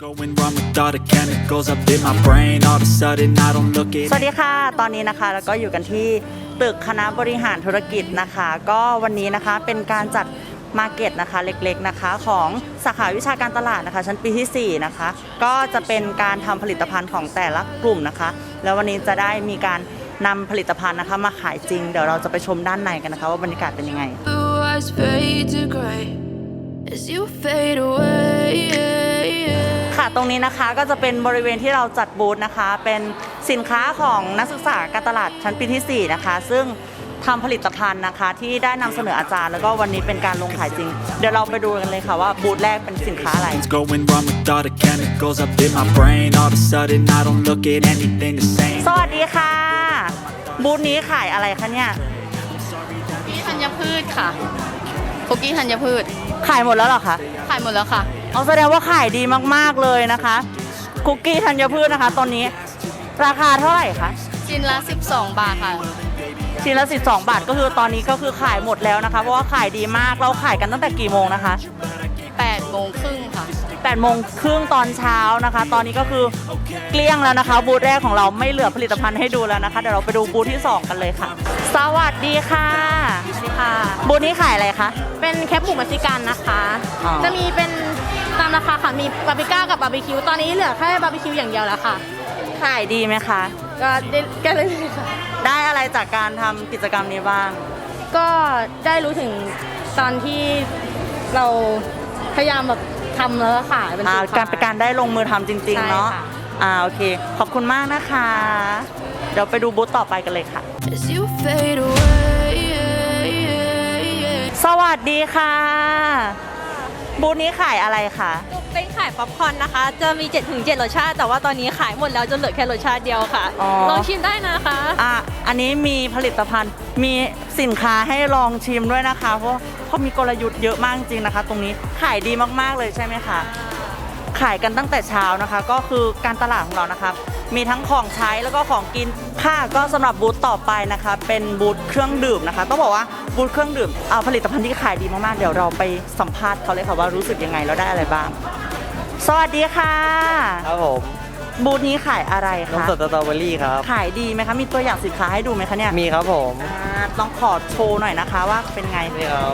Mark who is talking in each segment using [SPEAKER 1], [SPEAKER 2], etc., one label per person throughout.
[SPEAKER 1] Going wrong with all the chemicals up in my brain. All of a sudden I don't look it.
[SPEAKER 2] สวัสดีค่ะตอนนี้นะคะแล้วก็อยู่กันที่ตึกคณะบริหารธุรกิจนะคะ ก็วันนี้นะคะเป็นการจัดมาร์เก็ตนะคะเล็กๆนะคะของสาขาวิชาการตลาดนะคะชั้นปีที่4นะคะก็จะเป็นการทำผลิตภัณฑ์ของแต่ละกลุ่มนะคะแล้ววันนี้จะได้มีการนำผลิตภัณฑ์นะคะมาขายจริงเดี๋ยวเราจะไปชมด้านในกันนะคะว่าบรรยากาศเป็นยังไง
[SPEAKER 3] Blue eyes fade to gray as you fade away.
[SPEAKER 2] ค่ะตรงนี้นะคะก็จะเป็นบริเวณที่เราจัดบูธนะคะเป็นสินค้าของนักศึกษาการตลาดชั้นปีที่4นะคะซึ่งทำผลิตภัณฑ์นะคะที่ได้นำเสนออาจารย์แล้วก็วันนี้เป็นการลงขายจริงเดี๋ยวเราไปดูกันเลยค่ะว่าบูธแรกเป็นสินค้าอะไร
[SPEAKER 1] It's going wrong with all the chemicals up in my brain. All of a sudden I don't look at anything the same.
[SPEAKER 2] สวัสดีค่ะบูธนี้ขายอะไรคะเนี่ย
[SPEAKER 4] คุกกี้ธัญพืชค่ะคุกกี้ธัญพืช
[SPEAKER 2] ขายหมดแล้วเหรอคะ
[SPEAKER 4] ขายหมดแล้วค่ะ
[SPEAKER 2] เอาแสดงว่าขายดีมากๆเลยนะคะคุกกี้ธัญพืชนะคะตอนนี้ราคาเท่าไหร่คะ
[SPEAKER 4] ชิ้นละ 12 บาทค่ะ
[SPEAKER 2] ชิ้นละ12 บาทก็คือตอนนี้ก็คือขายหมดแล้วนะคะเพราะว่าขายดีมากเราขายกันตั้งแต่กี่โมงนะคะ
[SPEAKER 4] 8 โมงครึ่งค่ะ
[SPEAKER 2] 8 โมงครึ่งตอนเช้านะคะ ตอนนี้ก็คือเกลี้ยงแล้วนะคะบูธแรกของเราไม่เหลือผลิตภัณฑ์ให้ดูแล้วนะคะเดี๋ยวเราไปดูบูธที่2กันเลยค่ะสวัสดีค่ะ
[SPEAKER 5] สวัสดีค่ะ
[SPEAKER 2] บูธนี้ขายอะไรคะ
[SPEAKER 5] เป็นแคปหมูมัสซิกันนะคะ
[SPEAKER 2] อ๋อ
[SPEAKER 5] จะมีเป็นตามราคาค่ะ มีบาร์บีก้ากับบาร์บีคิว ตอนนี้เหลือแค่บาร์บีคิวอย่างเดียวแล้วค่ะ
[SPEAKER 2] ขายดีไหมคะ
[SPEAKER 5] ก็ได้ก็เลยค่ะ
[SPEAKER 2] ได้อะไรจากการทำกิจกรรมนี้บ้าง
[SPEAKER 5] ก็ได้รู้ถึงตอนที่เราพยายามแบบทำแล้วก็ขายเป็นสินค้
[SPEAKER 2] การเป็นการได้ลงมือทำจริงๆเนาะ
[SPEAKER 5] ใช่ค่ะ
[SPEAKER 2] โอเคขอบคุณมากนะคะ เดี๋ยวไปดูบูธต่อไปกันเลยค่ะ
[SPEAKER 3] As you fade away.
[SPEAKER 2] สวัสดีค่ะ บูธนี้ขายอะไรคะ
[SPEAKER 6] เป็นขายป๊อปคอร์นนะคะ จะมี 7-7 รสชาติ แต่ว่าตอนนี้ขายหมดแล้วจนเหลือแค่รสชาติเดียวค่ะ
[SPEAKER 2] อ๋อ
[SPEAKER 6] ลองชิมได้นะคะ
[SPEAKER 2] อันนี้มีผลิตภัณฑ์มีสินค้าให้ลองชิมด้วยนะคะ เพราะมีกลยุทธ์เยอะมากจริงนะคะ ตรงนี้ขายดีมากๆเลยใช่ไหมคะขายกันตั้งแต่เช้านะคะ ก็คือการตลาดของเรานะคะมีทั้งของใช้แล้วก็ของกินค่ะก็สำหรับบูธต่อไปนะคะ เป็นบูธเครื่องดื่มนะคะต้องบอกว่าบูธเครื่องดื่มผลิตภัณฑ์ที่ขายดีมากๆเดี๋ยวเราไปสัมภาษณ์เขาเลยค่ะว่ารู้สึกยังไงแล้วได้อะไรบ้าง สวัสดีค่ะ
[SPEAKER 7] ครับผม
[SPEAKER 2] บูธนี้ขายอะไร
[SPEAKER 7] นม
[SPEAKER 2] คะ
[SPEAKER 7] สดสตรอเบอรี่ครับ
[SPEAKER 2] ขายดีไหมคะมีตัวอย่างสินค้าให้ดูไหมคะเนี่ย
[SPEAKER 7] มีครับผม
[SPEAKER 2] ต้องขอโชว์หน่อยนะคะว่าเป็นไง
[SPEAKER 7] นี่ครับ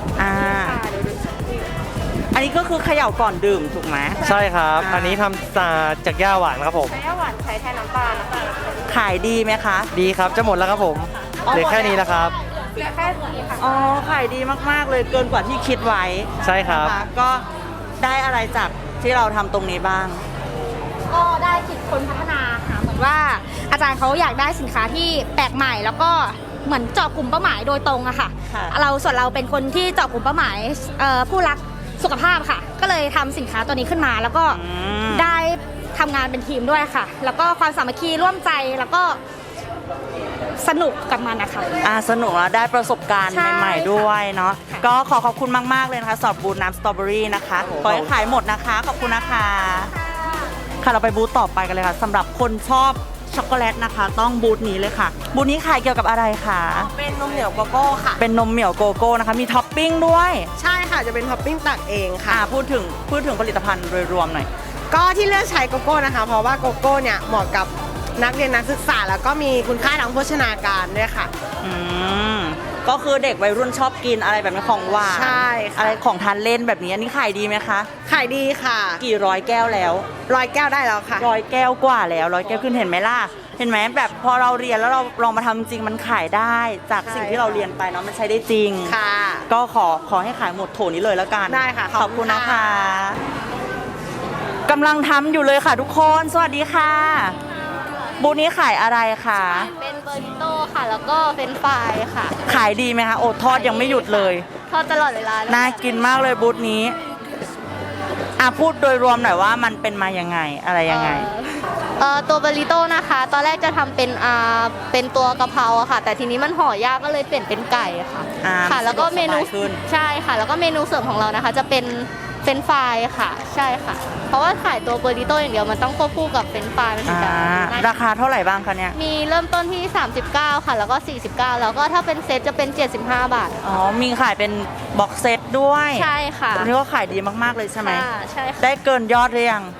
[SPEAKER 2] อันนี้ก็คือเขย่าก่อนดื่มถูกไหม
[SPEAKER 7] ใช่ครับ อันนี้ทำจากย่าหวานครับผม
[SPEAKER 5] แค่หวานใช้แทนน้ำปลานะคะ
[SPEAKER 2] ขายดีไหมคะ
[SPEAKER 7] ดีครับจะหมดแล้วครับผมเหลือแค่นี้แล้วครับ
[SPEAKER 5] เหลือแค่นี้ค่ะ
[SPEAKER 2] อ๋อขายดีมากๆเลยเกินกว่าที่คิดไว้
[SPEAKER 7] ใช่ครับ
[SPEAKER 2] นะคะก็ได้อะไรจากที่เราทำตรงนี้บ้าง
[SPEAKER 5] ก็ได้คิดคนพัฒนาค่ะเหมือนว่าอาจารย์เขาอยากได้สินค้าที่แปลกใหม่ แล้วก็เหมือนเจาะกลุ่มเป้าหมายโดยตรงอะค่ะ
[SPEAKER 2] ค่ะ
[SPEAKER 5] ส่วนเราเป็นคนที่เจาะกลุ่มเป้าหมายผู้รักสุขภาพค่ะ ก็เลยทำสินค้าตัวนี้ขึ้นมา แล้วก็ได้ทำงานเป็นทีมด้วยค่ะ แล้วก็ความสามัคคีร่วมใจแล้วก็สนุกกับมันนะคะ
[SPEAKER 2] สนุกแล้วได้ประสบการณ์
[SPEAKER 5] ใช่
[SPEAKER 2] ใหม่ๆด้วยเนาะ
[SPEAKER 5] ค่ะ
[SPEAKER 2] ก็ขอบคุณมากๆเลยนะคะสำหรับบูธน้ำสตรอเบอรี่นะคะขอให้ขายหมดนะคะขอบคุณนะคะค่ะเราไปบูธต่อไปกันเลยค่ะสำหรับคนชอบช็อกโกแลตนะคะ ต้องบูธนี้เลยค่ะ บูธนี้ขายเกี่ยวกับอะไรคะ
[SPEAKER 8] เป็นนมเหนียวโกโก้ค่ะ
[SPEAKER 2] เป็นนมเหมี่ยวโกโก้นะคะ มีท็อปปิ้งด้วย
[SPEAKER 8] ใช่ค่ะจะเป็นท็อปปิ้งตักเองค่ะ
[SPEAKER 2] พูดถึงผลิตภัณฑ์โดยรวมหน่อย
[SPEAKER 8] ก็ที่เลือกใช้โกโก้นะคะ เพราะว่าโกโก้เนี่ยเหมาะกับนักเรียนนักศึกษา แล้วก็มีคุณค่าทางโภชนาการด้วยค่ะ
[SPEAKER 2] อืมก็คือเด็กวัยรุ่นชอบกินอะไรแบบนี้ของหวาน
[SPEAKER 8] ใช่ค่ะ
[SPEAKER 2] อะไรของทานเล่นแบบนี้อันนี้ขายดีไหมคะ
[SPEAKER 8] ขายดีค่ะ
[SPEAKER 2] กี่ร้อยแก้วแล้ว
[SPEAKER 8] 100 แก้วได้แล้วค่ะ
[SPEAKER 2] 100 แก้วกว่าแล้ว100 แก้วขึ้นเห็นไหมล่ะเห็นไหมแบบพอเราเรียนแล้วเราลองมาทำจริงมันขายได้จากสิ่งที่เราเรียนไปเนาะมันใช้ได้จริง
[SPEAKER 8] ค่ะ
[SPEAKER 2] ก็ขอให้ขายหมดโถนี้เลยแล้วกัน
[SPEAKER 8] ได้ค่ะ
[SPEAKER 2] ขอบคุณนะคะ
[SPEAKER 8] ค่ะ
[SPEAKER 2] กำลังทำอยู่เลยค่ะทุกคนสวัสดีค่ะ บูธนี้ขายอะไรคะ
[SPEAKER 4] เป็นเบอร์ริโต้ค่ะ แล้วก็เฟรนช์ฟรายค่ะ
[SPEAKER 2] ขายดีไหมคะโอ้ทอดยังไม่หยุดเลย
[SPEAKER 4] ทอดตลอดเวลาเลย
[SPEAKER 2] น่ากินมากเลยบูธนี้พูดโดยรวมหน่อยว่ามันเป็นมายังไงอะไรยังไง
[SPEAKER 4] ตัวเบอร์ริโต้นะคะ ตอนแรกจะทำเป็นตัวกะเพราอะค่ะ แต่ทีนี้มันห่อยากก็เลยเปลี่ยนเป็นไก่ค่ะ ค่ะ แล้วก็เมนู
[SPEAKER 2] สะดวกสบายขึ้น
[SPEAKER 4] ใช่ค่ะ แล้วก็เมนูเสริมของเรานะคะ จะเป็นเฟรนช์ฟรายค่ะ ใช่ค่ะ เพราะว่าขายตัวเบอร์ริโต้อย่างเดียวมันต้องควบคู่กับเฟรนช์ฟรายมันถึงจะน่า
[SPEAKER 2] ราคาเท่าไหร่บ้างคะเนี่ย
[SPEAKER 4] มีเริ่มต้นที่ 39 ค่ะ แล้วก็ 49 แล้วก็ถ้าเป็นเซตจะเป็น 75 บาท
[SPEAKER 2] อ๋อมีขายเป็นบ็อกเซตด้วย
[SPEAKER 4] ใช่ค่ะ
[SPEAKER 2] อันนี้ก็ขายดีมากๆเลยใช่ไหม
[SPEAKER 4] ค่ะใช่ค่ะ
[SPEAKER 2] ได้เกินยอดหรือยัง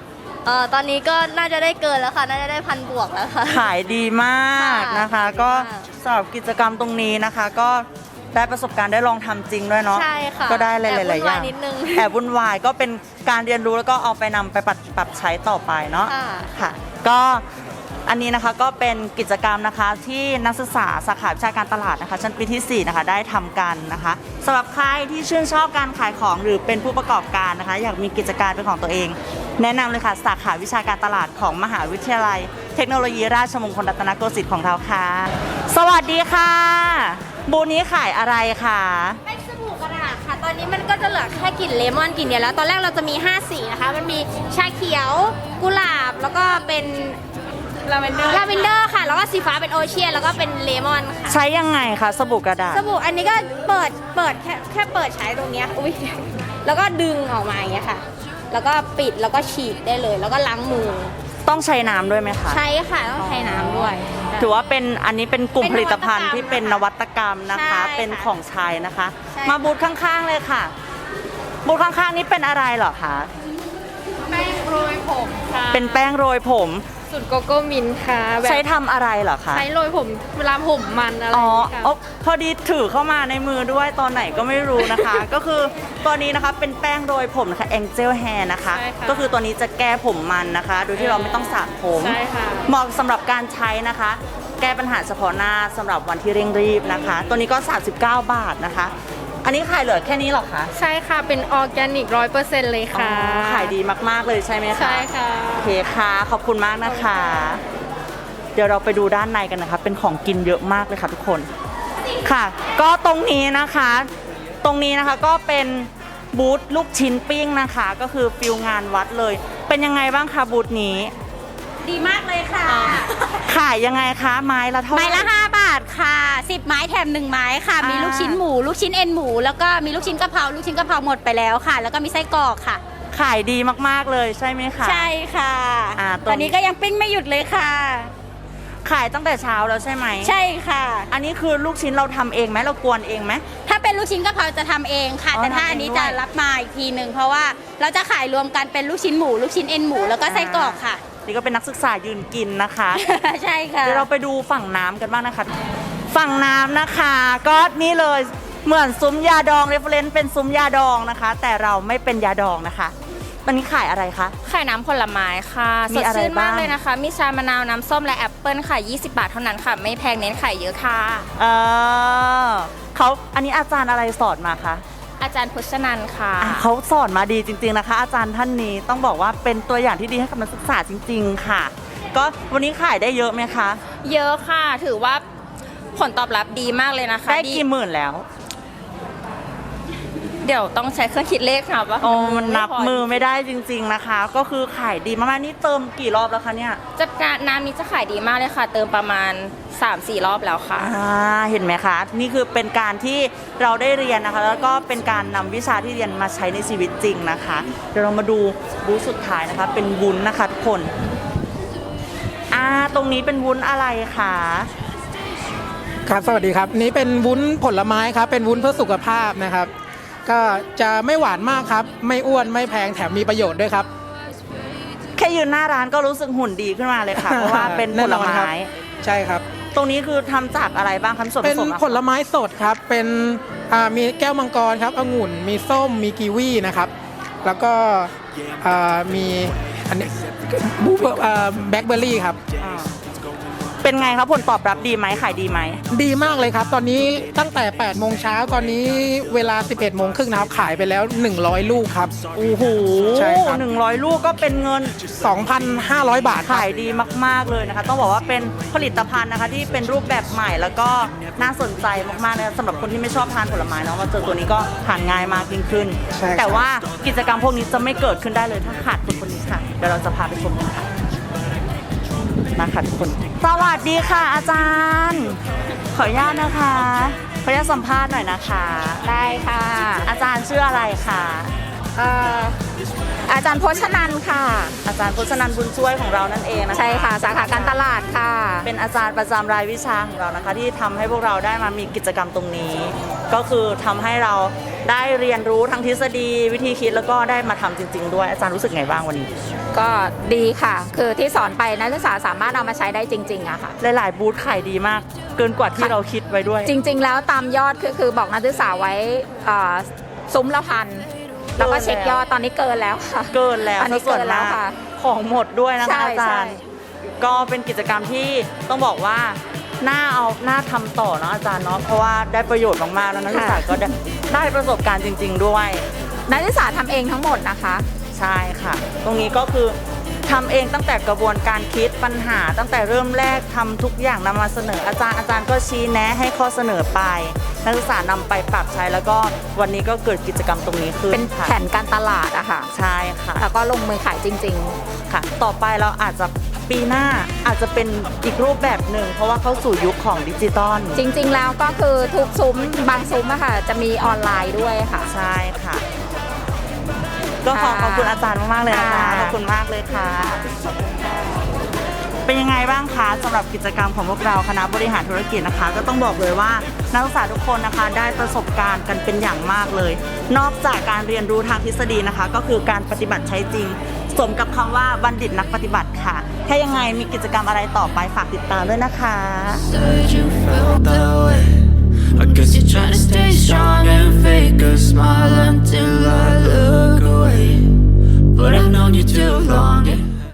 [SPEAKER 4] ตอนนี้ก็น่าจะได้เกินแล้วค่ะ น่าจะได้1,000 บวกแล้วค่ะ
[SPEAKER 2] ขายดีมากนะคะ
[SPEAKER 4] ค่ะ
[SPEAKER 2] ก็สำหรับกิจกรรมตรงนี้นะคะ ก็ได้ประสบการณ์ได้ลองทำจริงด้วยเนาะ
[SPEAKER 4] ใช่ค่ะ
[SPEAKER 2] ก็ได้หลายๆอย่าง
[SPEAKER 4] แอบวุ่นวายนิดนึง
[SPEAKER 2] แอบวุ่นวายก็เป็นการเรียนรู้แล้วก็เอาไปนำไปปรับใช้ต่อไปเนาะ
[SPEAKER 4] ค่ะ
[SPEAKER 2] ค่ะก็อันนี้นะคะก็เป็นกิจกรรมนะคะที่นักศึกษาสาขาวิชาการตลาดนะคะชั้นปีที่ 4 นะคะได้ทำกันนะคะสำหรับใครที่ชื่นชอบการขายของหรือเป็นผู้ประกอบการนะคะ อยากมีกิจการเป็นของตัวเอง แนะนำเลยค่ะสาขาวิชาการตลาดของมหาวิทยาลัย เทคโนโลยีราชมงคลรัตนโกสินทร์ของเราค่ะ สวัสดีค่ะ บูธนี้ขายอะไรคะ
[SPEAKER 5] เป็นสบู่กระดาษค่ะ ตอนนี้มันก็จะเหลือแค่กลิ่นเลมอนกลิ่นเดียวแล้ว ตอนแรกเราจะมี5สีนะคะ มันมีชาเขียว กุหลาบ แล้วก็เป็นลาเวนเดอร์ค่ะ แล้วก็สีฟ้าเป็นโอเชียน แล้วก็เป็นเลมอนค่ะ
[SPEAKER 2] ใช้ยังไงคะสบู่กระดาษ
[SPEAKER 5] สบู่อันนี้ก็เปิดแค่เปิดใช้ตรงเนี้ยอุ้ยแล้วก็ดึงออกมาอย่างเงี้ยค่ะ แล้วก็ปิดแล้วก็ฉีดได้เลย แล้วก็ล้างมือ
[SPEAKER 2] ต้องใช้น้ำด้วยไหมคะ
[SPEAKER 5] ใช้ค่ะ ต้องใช้น้ำด้วย
[SPEAKER 2] ถือว่าเป็นอันนี้เป็นกลุ่ม
[SPEAKER 5] เป็น
[SPEAKER 2] ผลิตภัณฑ์
[SPEAKER 5] นวัตกรรม
[SPEAKER 2] ที่เป็นนวัตกรรมนะคะ
[SPEAKER 5] ใช่
[SPEAKER 2] เป็นของใช้นะคะ
[SPEAKER 5] ใช่
[SPEAKER 2] มาบูธข้างๆเลยค่ะ บูธข้างๆนี้เป็นอะไรเหรอคะ
[SPEAKER 6] แป้งโรยผมค่ะ
[SPEAKER 2] เป็นแป้งโรยผม
[SPEAKER 6] สูตรโกโก้มินท์ค่ะแบบ
[SPEAKER 2] ใช้ทำอะไรเหรอคะ
[SPEAKER 6] ใช้โรยผมเวลาผมมันอะไร
[SPEAKER 2] อ๋อ
[SPEAKER 6] ค่ะ
[SPEAKER 2] อ๋อพอดีถือเข้ามาในมือด้วยตอนไหนก็ไม่รู้นะคะ ก็คือตัวนี้นะคะเป็นแป้งโรยผมนะคะ Angel Hair นะคะ
[SPEAKER 6] ใช่ค่ะ
[SPEAKER 2] ก็คือตัวนี้จะแก้ผมมันนะคะ โดยที่เราไม่ต้องสระผม
[SPEAKER 6] ใช่ค่ะ
[SPEAKER 2] เหมาะสำหรับการใช้นะคะ แก้ปัญหาเฉพาะหน้าสำหรับวันที่เร่งรีบนะคะ ตัวนี้ก็ 39 บาทนะคะ อันนี้ขายเหลือแค่นี้เหรอคะ
[SPEAKER 6] ใช่ค่ะ เป็นออร์แกนิก100%เลยค่ะ
[SPEAKER 2] อ๋อขายดีมากๆเลยใช่ไหมคะ
[SPEAKER 6] ใช่ค่ะ
[SPEAKER 2] โอเคค่ะ ขอบคุณมากนะคะ เดี๋ยวเราไปดูด้านในกันนะคะ เป็นของกินเยอะมากเลยค่ะทุกคน ค่ะ ก็ตรงนี้นะคะ ตรงนี้นะคะก็เป็นบูธลูกชิ้นปิ้งนะคะ ก็คือฟิลงานวัดเลย เป็นยังไงบ้างคะบูธนี้
[SPEAKER 5] ดีมากเลยค่ะ
[SPEAKER 2] ขายยังไงคะไม้ละเท่าไหร่
[SPEAKER 5] ไม้ละ5 บาทค่ะ 10 ไม้แถม 1 ไม้ค่ะ
[SPEAKER 2] อ่ามี
[SPEAKER 5] มีลูกชิ้นหมู ลูกชิ้นเอ็นหมู แล้วก็มีลูกชิ้นกะเพรา ลูกชิ้นกะเพราหมดไปแล้วค่ะ แล้วก็มีไส้กรอกค่ะ
[SPEAKER 2] ขายดีมากๆเลยใช่ไหมคะ
[SPEAKER 5] ใช่ค่ะ
[SPEAKER 2] ตรง
[SPEAKER 5] ตอนนี้ก็ยังปิ้งไม่หยุดเลยค่ะ
[SPEAKER 2] ขายตั้งแต่เช้าแล้วใช่ไหม
[SPEAKER 5] ใช่ค่ะ
[SPEAKER 2] อันนี้คือลูกชิ้นเราทำเองไหมเรากวนเองไหม
[SPEAKER 5] ถ้าเป็นลูกชิ้นกะเพราจะทำเองค่ะ
[SPEAKER 2] อ๋อ
[SPEAKER 5] แต่ถ้า
[SPEAKER 2] ทำเอง
[SPEAKER 5] อันนี้
[SPEAKER 2] ด้วย
[SPEAKER 5] จะรับมาอีกทีหนึ่งเพราะว่าเราจะขายรวมกันเป็นลูกชิ้นหมู ลูกชิ้นเอ็นหมู แล้วก็ไส้กรอกค่ะ
[SPEAKER 2] นี่ก็เป็นนักศึกษายืนกินนะคะ
[SPEAKER 5] ใช่ค่ะ
[SPEAKER 2] เดี๋ยวเราไปดูฝั่งน้ำกันบ้างนะคะ ฝั่งน้ำนะคะก็นี่เลยเหมือนซุ้มยาดองเรฟเฟรนซ์เป็นซุ้มยาดองนะคะ แต่เราไม่เป็นยาดองนะคะวันนี้ขายอะไรคะ
[SPEAKER 9] ขายน้ำผลไม้ค่ะ
[SPEAKER 2] มี
[SPEAKER 9] สด
[SPEAKER 2] อะไร
[SPEAKER 9] ชื่นมาก
[SPEAKER 2] บ้าง
[SPEAKER 9] เลยนะคะ มีชามะนาวน้ำส้มและแอปเปิลค่ะ 20 บาทเท่านั้นค่ะ ไม่แพงเน้นขายเยอะค่ะ
[SPEAKER 2] เขาอันนี้อาจารย์อะไรสอนมาคะ
[SPEAKER 9] อาจารย์พุชนันท์ค่ะ
[SPEAKER 2] เขาสอนมาดีจริงๆนะคะ อาจารย์ท่านนี้ต้องบอกว่าเป็นตัวอย่างที่ดีให้กับนักศึกษาจริง ๆ ค่ะ ก็วันนี้ขายได้เยอะไหมคะ
[SPEAKER 9] เยอะค่ะ ถือว่าผลตอบรับดีมากเลยนะคะ
[SPEAKER 2] ได้กี่หมื่นแล้ว
[SPEAKER 9] เดี๋ยวต้องใช้เครื่องคิดเลขค่ะว่า
[SPEAKER 2] โอ้มันนับ
[SPEAKER 9] ไพ
[SPEAKER 2] มือไม่ได้จริง ๆนะคะ ก็คือขายดีมากๆนี่เติมกี่รอบแล้วคะเนี่ย
[SPEAKER 9] จะน้ำนี้จะขายดีมากเลยค่ะ เติมประมาณ 3-4 รอบแล้วค่ะ
[SPEAKER 2] เห็นไหมคะ นี่คือเป็นการที่เราได้เรียนนะคะ แล้วก็เป็นการนำวิชาที่เรียนมาใช้ในชีวิตจริงนะคะ เดี๋ยวเรามาดูบูธสุดท้ายนะคะ เป็นวุ้นนะคะทุกคนตรงนี้เป็นวุ้นอะไรคะ
[SPEAKER 10] ครับสวัสดีครับนี่เป็นวุ้นผลไม้ครับเป็นวุ้นเพื่อสุขภาพนะครับ ก็จะไม่หวานมากครับ ไม่อ้วนไม่แพงแถมมีประโยชน์ด้วยครับ
[SPEAKER 2] แค่ยืนหน้าร้านก็รู้สึกหุ่นดีขึ้นมาเลยค่ะ เพราะว่าเป็นผล
[SPEAKER 10] แน่นอนครั
[SPEAKER 2] ไม้
[SPEAKER 10] บ ใช่ครับ
[SPEAKER 2] ตรงนี้คือทำจากอะไรบ้างคะส่วนผ
[SPEAKER 10] เป็น
[SPEAKER 2] สมอะ
[SPEAKER 10] ผลไม้สดครับเป็นมีแก้วมังกรครับองุ่นมีส้มมีกีวีนะครับ แล้วก็มีอันนี้แบล็คเบอร์รี่ครับ
[SPEAKER 2] เป็นไงครับผลตอบรับดีไหมขายดีไหม
[SPEAKER 10] ดีมากเลยครับ ตอนนี้ตั้งแต่8โมงเช้าตอนนี้เวลา 11โมงครึ่งนะครับขายไปแล้ว100 ลูกครับ
[SPEAKER 2] โอ้โห
[SPEAKER 10] ใช่ครับ
[SPEAKER 2] 100 ลูกก็เป็นเงิน
[SPEAKER 10] 2,500 บาทครับ
[SPEAKER 2] ขายดีมากๆเลยนะคะ ต้องบอกว่าเป็นผลิตภัณฑ์นะคะที่เป็นรูปแบบใหม่แล้วก็น่าสนใจมากๆนะคะสำหรับคนที่ไม่ชอบทานผลไม้เนาะมาเจอตัวนี้ก็ทานง่ายมากยิ่งขึ้น
[SPEAKER 10] ใช่ครับ
[SPEAKER 2] แต่ว่ากิจกรรมพวกนี้จะไม่เกิดขึ้นได้เลยถ้าขาดคนนี้ค่ะเดี๋ยวเราจะพาไปชมกันค่ะมาค่ะทุกคนสวัสดีค่ะอาจารย์ ขออนุญาตนะคะขออนุญาตสัมภาษณ์หน่อยนะคะ
[SPEAKER 5] ได้ค่ะ
[SPEAKER 2] อาจารย์ชื่ออะไรคะ
[SPEAKER 5] อาจารย์โพชนันท์ค่ะ
[SPEAKER 2] อาจารย์พจนันท์บุญช่วยของเรานั่นเองนะคะ
[SPEAKER 5] ใช่ค่ะ สาขาการตลาดค่ะ
[SPEAKER 2] เป็นอาจารย์ประจำรายวิชาของเรานะคะ ที่ทำให้พวกเราได้มามีกิจกรรมตรงนี้ ก็คือทำให้เราได้เรียนรู้ทั้งทฤษฎีวิธีคิดแล้วก็ได้มาทำจริง ๆ ด้วยอาจารย์รู้สึกไงบ้างวันนี้
[SPEAKER 9] ก็ดีค่ะ คือที่สอนไปนักศึกษาสามารถเอามาใช้ได้จริงๆอะค่ะ
[SPEAKER 2] หลายๆบูธขายดีมาก เกินกว่าที่เราคิดไว้ด้วย
[SPEAKER 9] จริง ๆ แล้วตามยอดคือบอกนักศึกษาไว้ซุ้มละพันแล้วก็เช็คยอดตอนนี้เกินแล้วค่ะ
[SPEAKER 2] เกินแล้ว
[SPEAKER 9] ตอนนี้
[SPEAKER 2] ส่วน
[SPEAKER 9] เกินแล้ว
[SPEAKER 2] มาก
[SPEAKER 9] ค่ะ
[SPEAKER 2] ของหมดด้วยนะคะ
[SPEAKER 9] ใช่
[SPEAKER 2] อาจารย์
[SPEAKER 9] ใช่
[SPEAKER 2] ก็เป็นกิจกรรมที่ต้องบอกว่าน่าทำต่อเนาะอาจารย์เนาะเพราะว่าได้ประโยชน์มากๆแล้วนักศึกษาก็ได้ประสบการณ์จริง ๆ ด้วย
[SPEAKER 9] นักศึกษาทำเองทั้งหมดนะคะ
[SPEAKER 2] ใช่ค่ะ ตรงนี้ก็คือทำเองตั้งแต่กระบวนการคิดปัญหาตั้งแต่เริ่มแรกทำทุกอย่างนำมาเสนออาจารย์ก็ชี้แนะให้ข้อเสนอไปนักศึกษานำไปปรับใช้แล้วก็วันนี้ก็เกิดกิจกรรมตรงนี้ขึ้น
[SPEAKER 9] เป็น
[SPEAKER 2] ค่ะ
[SPEAKER 9] แผนการตลาดอะค่ะ
[SPEAKER 2] ใช่ค่ะ
[SPEAKER 9] แล้วก็ลงมือขายจริง
[SPEAKER 2] ค่ะ ต่อไปเราอาจจะปีหน้าอาจจะเป็นอีกรูปแบบหนึ่งเพราะว่าเข้าสู่ยุคของดิจิตอล
[SPEAKER 9] ๆ จริง ๆ แล้วก็คือทุกซุ้มบางซุ้มอะค่ะ จะมีออนไลน์ด้วยค่ะ
[SPEAKER 2] ใช่ค่ะ ก็ขอบคุณอาจารย์มากๆเลยนะคะ
[SPEAKER 9] ค่ะ
[SPEAKER 2] ขอบคุณมากเลยค่ะ เป็นยังไงบ้างคะสำหรับกิจกรรมของพวกเราคณะบริหารธุรกิจนะคะ ก็ต้องบอกเลยว่านักศึกษาทุกคนนะคะได้ประสบการณ์กันเป็นอย่างมากเลย นอกจากการเรียนรู้ทางทฤษฎีนะคะ ก็คือการปฏิบัติใช้จริง สมกับคำว่าบัณฑิตนักปฏิบัติค่ะ ถ้ายังไงมีกิจกรรมอะไรต่อไปฝากติดตามด้วยนะคะ
[SPEAKER 3] Said you felt that way. I guess you're trying to stay strong and fake a smile until